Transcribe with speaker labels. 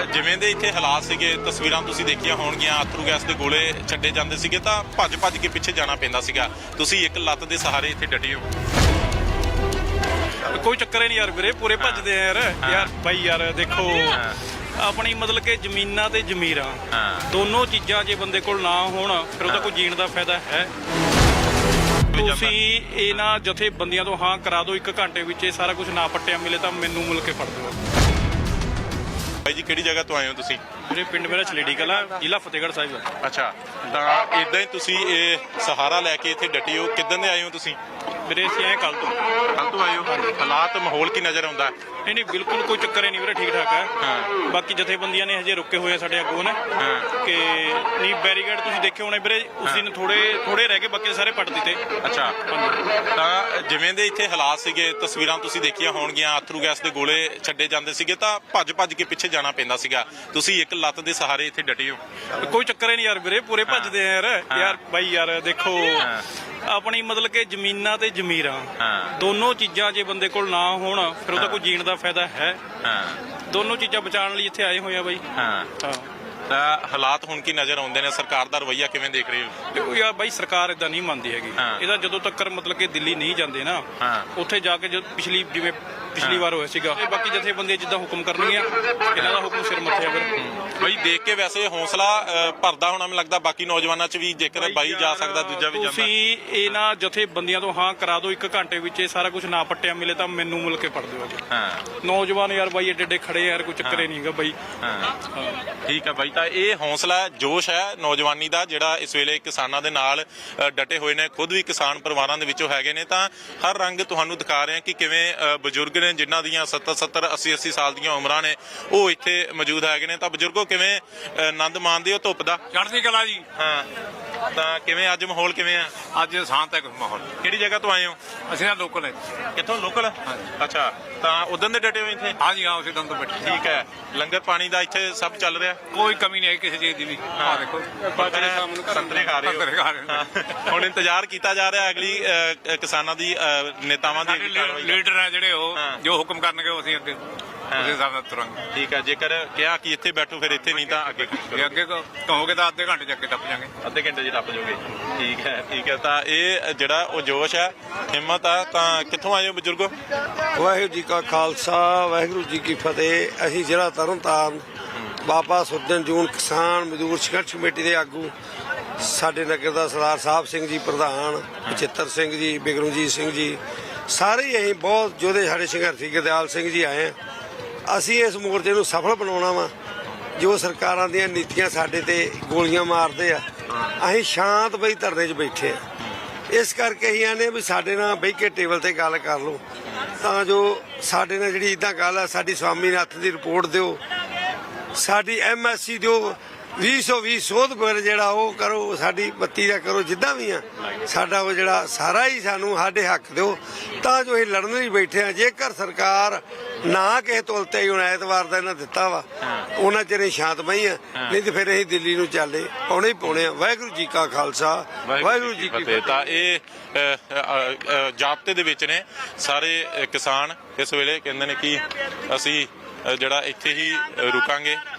Speaker 1: ਜਿਵੇਂ ਦੇ ਇੱਥੇ ਹਾਲਾਤ ਸੀਗੇ, ਤਸਵੀਰਾਂ ਤੁਸੀਂ ਦੇਖੀਆਂ ਹੋਣਗੀਆਂ, ਅਥਰੂ ਗੈਸ ਦੇ ਗੋਲੇ ਛੱਡੇ ਜਾਂਦੇ ਸੀਗੇ ਤਾਂ ਭੱਜ ਕੇ ਪਿੱਛੇ ਜਾਣਾ ਪੈਂਦਾ ਸੀਗਾ। ਤੁਸੀਂ ਇੱਕ ਲੱਤ ਦੇ ਸਹਾਰੇ ਇੱਥੇ ਡਟੇ ਹੋ।
Speaker 2: ਕੋਈ ਚੱਕਰ ਹੀ ਨਹੀਂ ਯਾਰ ਵੀਰੇ, ਪੂਰੇ ਭੱਜਦੇ ਆ ਯਾਰ ਬਾਈ ਯਾਰ ਦੇਖੋ ਆਪਣੀ ਮਤਲਬ ਕਿ ਜ਼ਮੀਨਾਂ ਤੇ ਜ਼ਮੀਰਾਂ ਦੋਨੋਂ ਚੀਜ਼ਾਂ ਜੇ ਬੰਦੇ ਕੋਲ ਨਾ ਹੋਣ ਫਿਰ ਉਹਦਾ ਕੋਈ ਜੀਣ ਦਾ ਫਾਇਦਾ ਹੈ। ਤੁਸੀਂ ਇਹਨਾਂ ਜਥੇਬੰਦੀਆਂ ਤੋਂ ਹਾਂ ਕਰਾ ਦਿਓ 1 ਘੰਟੇ ਵਿੱਚ ਇਹ ਸਾਰਾ ਕੁਝ ਨਾ ਪੱਟਿਆ ਮਿਲੇ ਤਾਂ ਮੈਨੂੰ ਮਿਲ ਕੇ ਫੜ ਦਿਓ।
Speaker 1: ਬਾਈ ਜੀ ਕਿਹੜੀ ਜਗ੍ਹਾ ਤੋਂ ਆਏ ਹੋ ਤੁਸੀਂ?
Speaker 2: ਮੇਰੇ ਪਿੰਡ ਮੇਰਾ ਛਲੇੜੀ ਕਲਾਂ, ਜ਼ਿਲ੍ਹਾ ਫਤਿਹਗੜ੍ਹ ਸਾਹਿਬ।
Speaker 1: ਅੱਛਾ, ਤਾਂ ਇਦਾਂ ਹੀ ਤੁਸੀਂ ਇਹ ਸਹਾਰਾ ਲੈ ਕੇ ਇੱਥੇ ਡਟੇ ਹੋ। ਕਿੱਦਾਂ ਦੇ ਆਏ ਹੋ ਤੁਸੀਂ?
Speaker 2: ਵੀਰੇ ਅਸੀਂ ਆਏ ਕੱਲ ਤੋਂ
Speaker 1: ਆਏ ਹੋ। ਹਾਲਾਤ ਮਾਹੌਲ ਕੀ ਨਜ਼ਰ ਆਉਂਦਾ?
Speaker 2: ਨਹੀਂ ਬਿਲਕੁਲ ਕੋਈ ਚੱਕਰ ਹੀ ਨਹੀਂ ਵੀਰੇ, ਠੀਕ ਠਾਕ ਹੈ। ਬਾਕੀ ਜਥੇਬੰਦੀਆਂ ਨੇ ਹਜੇ ਰੁਕੇ ਹੋਏ ਆ ਸਾਡੇ ਅੱਗੋਂ ਨੇ ਕਿ ਨਹੀਂ ਬੈਰੀਕੇਡ ਤੁਸੀਂ ਦੇਖੇ ਹੋਣੇ ਵੀਰੇ, ਉਸ ਦਿਨ ਥੋੜੇ ਰਹਿ ਗਏ, ਬਾਕੀ ਸਾਰੇ ਪੱਟ ਦਿੱਤੇ।
Speaker 1: ਅੱਛਾ, ਤਾਂ ਜਿਵੇਂ ਦੇ ਇੱਥੇ ਹਾਲਾਤ ਸੀਗੇ, ਤਸਵੀਰਾਂ ਤੁਸੀਂ ਦੇਖੀਆਂ ਹੋਣਗੀਆਂ, ਅਥਰੂ ਗੈਸ ਦੇ ਗੋਲੇ ਛੱਡੇ ਜਾਂਦੇ ਸੀਗੇ ਤਾਂ ਭੱਜ ਕੇ ਪਿੱਛੇ ਜਾਣਾ ਪੈਂਦਾ ਸੀਗਾ। ਤੁਸੀਂ ਇੱਕ ਲੱਤ ਦੇ ਸਹਾਰੇ ਇੱਥੇ ਡਟੇ ਹੋ।
Speaker 2: ਕੋਈ ਚੱਕਰ ਹੀ ਨਹੀਂ ਯਾਰ ਵੀਰੇ, ਪੂਰੇ ਭੱਜਦੇ ਆ ਯਾਰ ਬਾਈ ਯਾਰ ਦੇਖੋ ਆਪਣੀ ਮਤਲਬ ਕਿ ਜ਼ਮੀਨਾਂ ਤੇ ਜ਼ਮੀਰਾਂ ਦੋਨੋਂ ਚੀਜ਼ਾਂ ਜੇ ਬੰਦੇ ਕੋਲ ਨਾ ਹੋਣ ਫਿਰ ਉਹਦਾ ਕੋਈ ਜੀਣ ਦਾ ਫਾਇਦਾ ਹੈ। ਦੋਨੋਂ ਚੀਜ਼ਾਂ ਬਚਾਉਣ ਲਈ ਇੱਥੇ ਆਏ ਹੋਏ ਆ ਬਾਈ।
Speaker 1: ਤਾਂ ਹਾਲਾਤ ਹੁਣ ਕੀ ਨਜ਼ਰ ਆਉਂਦੇ ਨੇ? ਸਰਕਾਰ ਦਾ ਰਵੱਈਆ ਕਿਵੇਂ ਦੇਖ ਰਹੇ ਹੋ?
Speaker 2: ਦੇਖੋ ਯਾਰ ਬਾਈ ਸਰਕਾਰ ਇਦਾਂ ਨਹੀਂ ਮੰਨਦੀ ਹੈਗੀ। ਇਹਦਾ ਜਦੋਂ ਤੱਕ ਮਤਲਬ ਕਿ ਦਿੱਲੀ ਨਹੀਂ ਜਾਂਦੇ ਨਾ ਉੱਥੇ ਜਾ ਕੇ ਜਿਵੇਂ ਪਿਛਲੀ ਵਾਰ ਹੋਇਆ ਸੀਗਾ, ਬਾਕੀ ਜਥੇਬੰਦੀਆਂ ਜਿੱਦਾਂ ਹੁਕਮ ਕਰਨਗੀਆਂ ਇਹਨਾਂ ਦਾ ਹੁਕਮ ਸਿਰ ਮੱਥੇ ਆ ਫਿਰ।
Speaker 1: ਬਾਈ ਦੇਖ ਕੇ ਵੈਸੇ ਹੌਸਲਾ ਭਰਦਾ ਹੋਣਾ ਮੈਨੂੰ ਲੱਗਦਾ ਬਾਕੀ ਨੌਜਵਾਨਾਂ 'ਚ ਵੀ, ਜੇਕਰ ਬਾਈ ਜਾ ਸਕਦਾ ਦੂਜਾ ਵੀ ਜਾਂਦਾ।
Speaker 2: ਤੁਸੀਂ ਇਹਨਾਂ ਜਥੇਬੰਦੀਆਂ ਤੋਂ ਹਾਂ ਕਰਾ ਦਿਓ 1 ਘੰਟੇ ਵਿੱਚ ਇਹ ਸਾਰਾ ਕੁਝ ਨਾ ਪੱਟਿਆ ਮਿਲੇ ਤਾਂ ਮੈਨੂੰ ਮਿਲ ਕੇ ਫੜ ਦਿਓ। ਨੌਜਵਾਨ ਯਾਰ ਬਾਈ ਏਡੇ ਖੜੇ ਯਾਰ, ਕੋਈ ਚੱਕਰ ਹੀ ਨਹੀਂ ਹੈਗਾ ਬਾਈ।
Speaker 1: ਠੀਕ ਹੈ ਬਾਈ, ਤਾਂ ਇਹ ਹੌਸਲਾ ਜੋਸ਼ ਹੈ ਨੌਜਵਾਨੀ ਦਾ ਜਿਹੜਾ ਇਸ ਵੇਲੇ ਕਿਸਾਨਾਂ ਦੇ ਨਾਲ ਡਟੇ ਹੋਏ ਨੇ। ਖੁਦ ਵੀ ਕਿਸਾਨ ਪਰਿਵਾਰਾਂ ਦੇ ਵਿੱਚੋਂ ਹੈਗੇ ਨੇ ਤਾਂ ਹਰ ਰੰਗ ਤੁਹਾਨੂੰ ਦਿਖਾ ਰਹੇ ਕਿ ਕਿਵੇਂ ਬਜ਼ੁਰਗ ਨੇ ਜਿਨ੍ਹਾਂ ਦੀਆਂ 70 80 ਸਾਲ ਦੀਆਂ ਉਮਰਾਂ ਨੇ ਉਹ ਇੱਥੇ ਮੌਜੂਦ ਹੈਗੇ ਨੇ। ਤਾਂ ਬਜ਼ੁਰਗੋ ਕਿਵੇਂ ਆਨੰਦ ਮਾਣਦੇ ਹੋ ਧੁੱਪ ਦਾ?
Speaker 3: ਚੜ੍ਹਦੀ ਕਲਾ ਜੀ।
Speaker 1: ਤਾਂ ਕਿਵੇਂ ਅੱਜ ਮਾਹੌਲ ਕਿਵੇਂ ਆ?
Speaker 3: ਅੱਜ ਸ਼ਾਂਤ ਹੈ ਮਾਹੌਲ।
Speaker 1: ਕਿਹੜੀ ਜਗ੍ਹਾ ਤੋਂ ਆਏ ਹੋ?
Speaker 3: ਅਸੀਂ ਤਾਂ ਲੋਕਲ ਹੈ।
Speaker 1: ਕਿੱਥੋਂ? ਲੋਕਲ। ਅੱਛਾ, ਤਾਂ ਉਦੋਂ ਦੇ ਡਟੇ ਹੋ ਇੱਥੇ?
Speaker 3: ਹਾਂਜੀ ਹਾਂ, ਉਸੇ ਦਿਨ ਤੋਂ ਬੈਠੇ।
Speaker 1: ਠੀਕ ਹੈ, ਲੰਗਰ ਪਾਣੀ ਦਾ ਇੱਥੇ ਸਭ ਚੱਲ ਰਿਹਾ?
Speaker 3: ਕੋਈ ਕਮੀ ਨਹੀਂ ਹੈ ਕਿਸੇ ਚੀਜ਼ ਦੀ ਵੀ। ਆਹ ਦੇਖੋ
Speaker 1: ਸੰਤਰੇ ਖਾ ਰਹੇ ਹੋ। ਹੁਣ ਇੰਤਜ਼ਾਰ ਕੀਤਾ ਜਾ ਰਿਹਾ ਅਗਲੀ ਕਿਸਾਨਾਂ ਦੀ ਨੇਤਾਵਾਂ ਦੀ
Speaker 3: ਲੀਡਰ ਹੈ ਜਿਹੜੇ ਉਹ ਜੋ ਹੁਕਮ ਕਰਨਗੇ ਉਹ ਅਸੀਂ ਅੱਗੇ ਉਸੇ ਹਿਸਾਬ ਨਾਲ ਤੁਰਾਂਗੇ।
Speaker 1: ਠੀਕ ਹੈ, ਜੇਕਰ ਕਿਹਾ ਕਿ ਇੱਥੇ ਬੈਠੋ ਫਿਰ ਇੱਥੇ, ਨਹੀਂ ਤਾਂ ਅੱਗੇ
Speaker 3: ਅੱਗੇ ਕਹੋਗੇ ਤਾਂ ਅੱਧੇ ਘੰਟੇ ਚ ਅੱਗੇ ਟੱਪ ਜਾਗੇ।
Speaker 1: ਅੱਧੇ ਘੰਟੇ 'ਚ ਟੱਪ ਜਾਓਗੇ। ਠੀਕ ਹੈ, ਠੀਕ ਹੈ। ਤਾਂ ਇਹ ਜਿਹੜਾ ਉਹ ਜੋਸ਼ ਹੈ, ਹਿੰਮਤ ਆ। ਤਾਂ ਕਿੱਥੋਂ ਆਏ ਹੋ ਬਜ਼ੁਰਗੋ?
Speaker 4: ਵਾਹਿਗੁਰੂ ਜੀ ਕਾ ਖਾਲਸਾ, ਵਾਹਿਗੁਰੂ ਜੀ ਕੀ ਫਤਿਹ। ਅਸੀਂ ਜ਼ਿਲ੍ਹਾ ਤਰਨਤਾਰਨ ਬਾਬਾ ਸੁਰਜਨ ਜੂਨ ਕਿਸਾਨ ਮਜ਼ਦੂਰ ਸੰਘਰਸ਼ ਕਮੇਟੀ ਦੇ ਆਗੂ, ਸਾਡੇ ਨਗਰ ਦਾ ਸਰਦਾਰ ਸਾਹਿਬ ਸਿੰਘ ਜੀ ਪ੍ਰਧਾਨ, ਬਚਿੱਤਰ ਸਿੰਘ ਜੀ, ਬਿਕਰਮਜੀਤ ਸਿੰਘ ਜੀ, ਸਾਰੇ ਹੀ ਅਸੀਂ ਬਹੁਤ ਯੋਧੇ ਸਾਡੇ ਸੰਘਰਸ਼ੀ ਗੁਰਦਿਆਲ ਸਿੰਘ ਜੀ ਆਏ ਆ। ਅਸੀਂ ਇਸ ਮੋਰਚੇ ਨੂੰ ਸਫਲ ਬਣਾਉਣਾ ਵਾ। ਜੋ ਸਰਕਾਰਾਂ ਦੀਆਂ ਨੀਤੀਆਂ ਸਾਡੇ ਤੇ ਗੋਲੀਆਂ ਮਾਰਦੇ ਆ, ਅਸੀਂ ਸ਼ਾਂਤ ਬਈ ਧਰਨੇ 'ਚ ਬੈਠੇ ਆ। ਇਸ ਕਰਕੇ ਅਸੀਂ ਆਨੇ ਵੀ ਸਾਡੇ ਨਾਲ ਬਹਿ ਕੇ ਟੇਬਲ ਤੇ ਗੱਲ ਕਰ ਲਓ ਤਾਂ ਜੋ ਸਾਡੇ ਨਾਲ ਜਿਹੜੀ ਇਦਾਂ ਗੱਲ ਆ, ਸਾਡੀ ਸਵਾਮੀਨਾਥਨ ਦੀ ਰਿਪੋਰਟ ਦਿਓ, ਸਾਡੀ MSC ਦਿਓ, 2020 ਸੋਧ ਬਿੱਲ ਜਿਹੜਾ ਉਹ ਕਰੋ, ਸਾਡੀ ਬੱਤੀ ਦਾ ਕਰੋ, ਜਿੱਦਾਂ ਵੀ ਆ ਸਾਡਾ ਉਹ ਜਿਹੜਾ ਸਾਰਾ ਹੀ ਸਾਨੂੰ ਸਾਡੇ ਹੱਕ ਦਿਓ ਤਾਂ ਜੋ ਅਸੀਂ ਲੜਨ ਲਈ ਬੈਠੇ ਆ। ਜੇਕਰ ਸਰਕਾਰ ਨਾ ਕਿਸੇ ਤੁਲਤੇ ਹੀ ਹੁਣ ਐਤਵਾਰ ਦਾ ਇਹਨਾਂ ਦਿੱਤਾ ਵਾ ਉਹਨਾਂ ਚਿਰ ਸ਼ਾਂਤਮਈ ਆ, ਨਹੀਂ ਤੇ ਫਿਰ ਅਸੀਂ ਦਿੱਲੀ ਨੂੰ ਚੱਲੇ ਪਾਉਣੇ ਹੀ ਪਾਉਣੇ ਆ। ਵਾਹਿਗੁਰੂ ਜੀ ਕਾ ਖਾਲਸਾ, ਵਾਹਿਗੁਰੂ ਜੀ ਕੀ ਫਤਿਹ।
Speaker 1: ਤਾਂ ਇਹ ਜਾਬਤੇ ਦੇ ਵਿੱਚ ਨੇ ਸਾਰੇ ਕਿਸਾਨ। ਇਸ ਵੇਲੇ ਕਹਿੰਦੇ ਨੇ ਕਿ ਅਸੀਂ ਜਿਹੜਾ ਇੱਥੇ ਹੀ ਰੁਕਾਂਗੇ।